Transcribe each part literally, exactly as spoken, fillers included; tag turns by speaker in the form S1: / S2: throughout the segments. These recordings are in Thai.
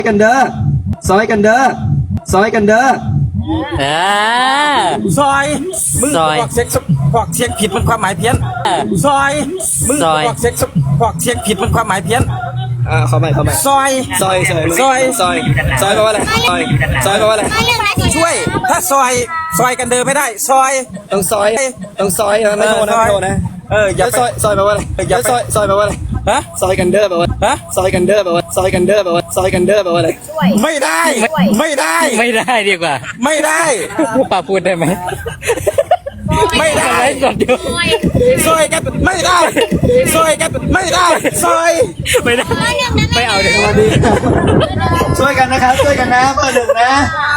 S1: กันเด้อซอยกันเด้อซอยกันเด้อ
S2: อ่า
S3: ซอยมึงบอกเสียงบอกเสียงผิดมันความหมายเพี้ยนซอยมึงบอกเสียงบอกเสียงผิดมันความหมายเพี้ยน
S1: อ่าเข้าไปเข้าไป
S3: ซอย
S1: ซอยซอย
S3: ซอย
S1: ซอยซอยแปลว่าอะไรซอยซอยแปลว่าอะไร
S3: ช่วยถ้าซอยซอยกันเดินไม่ได้ซอย
S1: ต้องซอยต้องซอยนะไม่โทษนะไม่โทษนะ
S3: เอออย่า
S1: ซอยซอยแปลว่าอะไรอย่าซอยซอยแปลว่าอะไร
S3: ฮะ
S1: ซอยกันเด้อแปลว่าฮะซอยกันเด้อแปลว่าซอยกันเด้อแปลว่าซอยกันเด้อแปลว่าอะไร
S3: ไม่ได้ไม่ได้
S2: ไม่ได้ดีกว่า
S3: ไม่ได้
S2: ป้าพูดได้ไหม
S3: ไม่ได้
S2: ก่อนเดียว
S3: ซอยกันไม่ได้ซอยกันไม่ได้ซอย
S2: ไม่ได้ไม่เอาเดี๋ยว
S1: ดีช่วยกันนะครับช่วยกันนะเบอร์หนึ่งนะ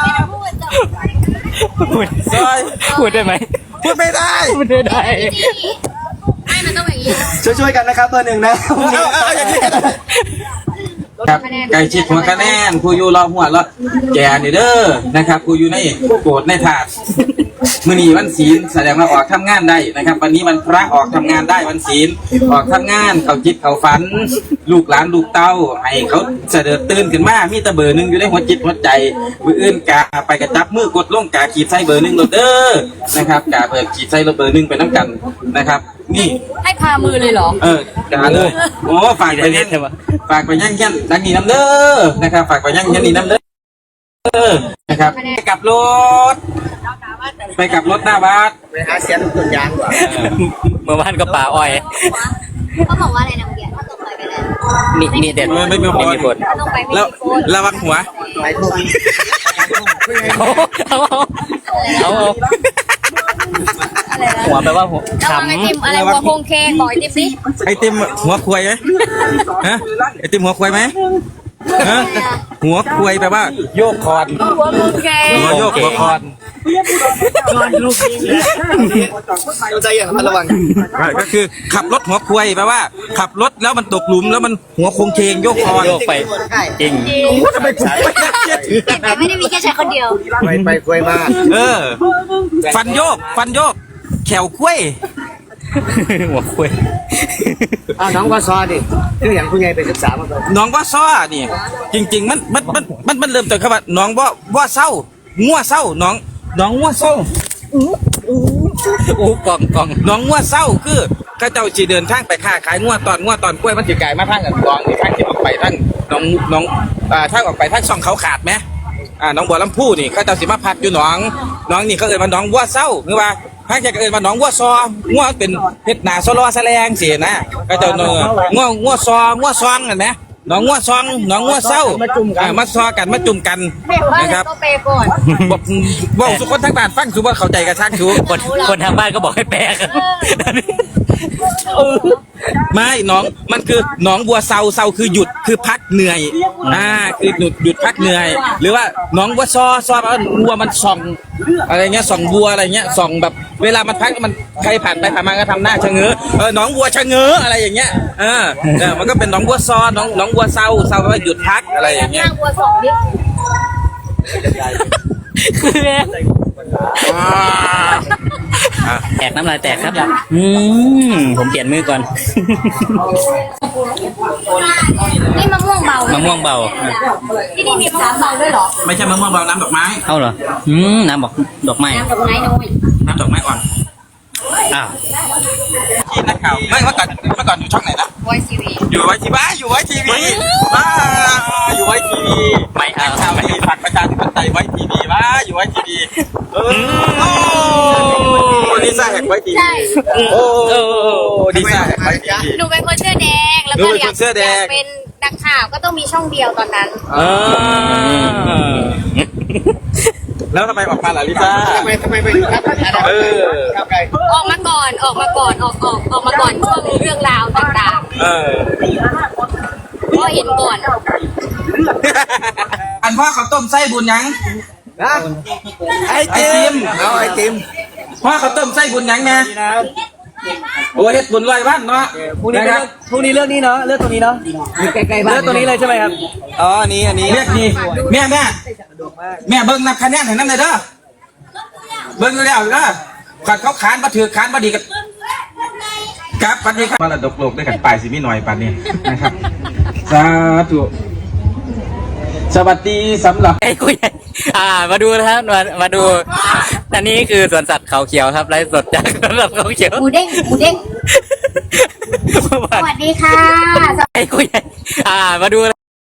S2: พูด
S3: ซอย
S2: พูดได้ไหม
S3: พูดไม่ได้
S2: พูดไม่ได้
S4: ไม่มันต้องอย่างนี้
S1: ช่วยช่วยกันนะครับเบอร์หนึ่งนะ
S3: เอาเอาอย่างนี้ครับไก่ชิดหัวคะแนนผู้อยู่รอหัวรอแกนี่เด้อนะครับผู้อยู่ในโกรธในถาดมื้อนี้วันศีลแสดงว่าออกทำงานได้นะครับวันนี้วันพระออกทำงานได้วันศีลออกทำงานเขาจิตเขาฝันลูกหลานลูกเต้าให้เขาเสด็จตื่นขึ้นมามีแต่เบอร์หนึ่งอยู่ในหัวจิตหัวใจมืออื่นกาไปกระจับมือกดลงกาขีดใส่เบอร์หนึ่งโรเดอร์นะครับกาเบอร์ขีดใส่เบอร์หนึ่งไปน้ำกันนะครับนี่
S4: ให้พามือเลยเหรอ
S3: เออกาเลยโอ้ฝากไปเล่นฝากไปย่างยันดังนี้น้ำเด้อนะครับฝากไปย่างยันนี่น้ำเด้อนะครับไปกับรถไปกับรถหน้าบ้าน
S1: ไปหาเสียงต้นยางก่อน
S2: เมื่อวานก็ป่าอ้อย
S4: เขาบอกว่าอะไรนะเมื่อกี้เขาตกไปแล้ว
S2: นี่นี่เด็ด
S3: ไม่มีผลแล้วระวังหัว
S1: ไปทุ่ม
S2: เอาเอาเอาหัวแปลว่าหัว
S4: ขำไอติมอะไรหัวโคงเคงบอกไอติมสิ
S3: ไอติมหัวควายไหมฮะไอติมหัวควายไหมฮะหัวควายแปลว่าโยกคอน
S4: หัวโคงเคง
S3: หัวโยกหัวคอน
S1: คอนลูกต้องใจอย่างระวัง
S3: ก็คือขับรถหัวควายแปลว่าขับรถแล้วมันตกหลุมแล้วมันหัวโคงเคงโยกคอน
S2: โยกไปจริง
S3: ทำไมผมไม่น่าเชื่อถือ
S4: แต่ไม่ได้มีแค่ชายคนเดียว
S1: ไปไปควายมา
S3: เออฟันโยกฟันโยกแขวกล้วย
S2: หัวคุย
S1: อ้าวน้องว่าซอดิคืออย่างคุณยายไปศึกษามาก่อน
S3: น้องว่าซ้อนี่จริงๆมันมันมันมันมันเริ่มจากคำว่าน้องว่าว่าเศร้างัวเศร้าน้องน้องงัวเศร้า
S2: อู้อู้กล่องกล่อง
S3: น้องงัวเศร้าคือข้าเจ้าจีเดินทางไปค้าขายงัวตอนงัวตอนกล้วยมันจีไก่มาทางกันกองนี่ทางที่ออกไปทางน้องน้องอ่าทางออกไปทางช่องเขาขาดไหมอ่าน้องบัวลำพูนี่ข้าเจ้าสิมาพักอยู่น้องน้องนี่เขาเอ่ยมาน้องวัวเศร้าคือว่าพระเจ้าเอ่ยมาน้องวัวซองัวเป็นเพชรหนาซอลอแสลงเสียนะข้าเจ้าเนื้องัวงัวซองัวซองเห็นไหมน้องงัวซองน้องงัวเศร้าอ่ามาซอกันมาจุ่มกันนะครับ
S4: ก็เปย์ก่อน
S3: บอกบอกทุกคนทั้งบ้านฟังคือว่าเข้าใจกันช่างคือ
S2: คนคนทางบ้านก็บอกให้แปลกัน
S3: ไม่น้องมันคือน้องบัวเศร้าเศร้าคือหยุดคือพักเหนื่อยอ่าคือหยุดหยุดพักเหนื่อยหรือว่าน้องบัวซอซอแปลว่าบัวมันส่องอะไรเงี้ยส่องบัวอะไรเงี้ยส่องแบบเวลามันพักมันใครผ่านไปผ่านมาก็ทำหน้าชะเง้อเออน้องบัวชะเง้ออะไรอย่างเงี้ยเออเออมันก็เป็นน้องบัวซอน้องน้องบัวเศร้าเศร้าแปลว่าหยุดพักอะไรอย่างเงี้ย
S4: บัวสองนิด
S2: แตกน้ำลายแตกครับอืมผมเปลี่ยนมือก่อน
S4: นี่มะม่วงเบามะ
S2: ม่วงเบา
S4: ที่นี่มีมะม่วงเบาด้วยเหรอ
S3: ไม่ใช่มะม่วงเบาน้ำดอกไม้
S2: เอาเหรออืมน้ำดอกดอกไม้
S4: น้ำดอกไม้น้อย
S3: น้ำดอกไม้อ่อน
S2: อ้าว
S3: ที่นักข่าวไม่เมื่อก่อนเมื่อก่อนอยู่ช่องไหนนะ
S4: ไว้ทีวี
S3: อยู่ไว้ทีวีอยู่ไว้ทีวีบ้าอยู่ไว้ทีวี
S2: ไม่เอา
S3: ข่าวไม่ผักประชาธิปไตยไว้ทีวีบ้าอยู่ไว้ทีวีเออดีซ่าแหกไว้ทีวีโอ้ดีซ่าแหกไว้ทีวี
S4: หนูเป็นคนเสื้อแดงแล้วก็อยากเป็นนักข่าวก็ต้องมีช่องเดียวตอนนั้น
S3: แล้วทำไมออกมาล่ะลิซ่า
S1: ทำไมทำไมไปอยู่ครับ
S3: เออ
S4: ออกมาก่อนออกมาก่อนออกออกออกมาก่อนช่วงเรื่องราวต่าง
S3: ๆเออ
S4: ก็เห็นก่อน
S3: อันพ่อเขาต้มไส้บุญยัง
S1: นะ
S3: ไอติม
S1: เอาไอติม
S3: พ่อเขาต้มไส้บุญยังไงโอ้เฮ็ดบุญลอยบ้านเนาะ
S1: พรุ่งนี้พรุ่งนี้เรื่องนี้เนาะเรื่องตรงนี้เนาะใกล้ๆบ้านเรื่องตรงนี้เลยใช่ไหมครับ
S3: อ๋ออันนี้อันนี้เรียกนี่แม่แม่แม่เบิ้งนับคะแนนให้น้ำเลยเด้อเบิ้งแล้วเด้อขัดเขาขานมาถือขานมาดีกันครับปันนี้ครับมาละดกโลกได้กันปลายสิมีหน่อยปันนี้นะครับสาธุสวัสดีสำหรับ
S2: ไอ้คุยอ่า มาดูนะครับมามาดูอันนี้คือสวนสัตว์เขาเขียวครับไลฟ์สดจากสวนสัตว์เขาเขียว
S4: หมูเด้งหมูเด้งสวัสดีค่ะ
S2: ไอ้คุยอ่า มาดู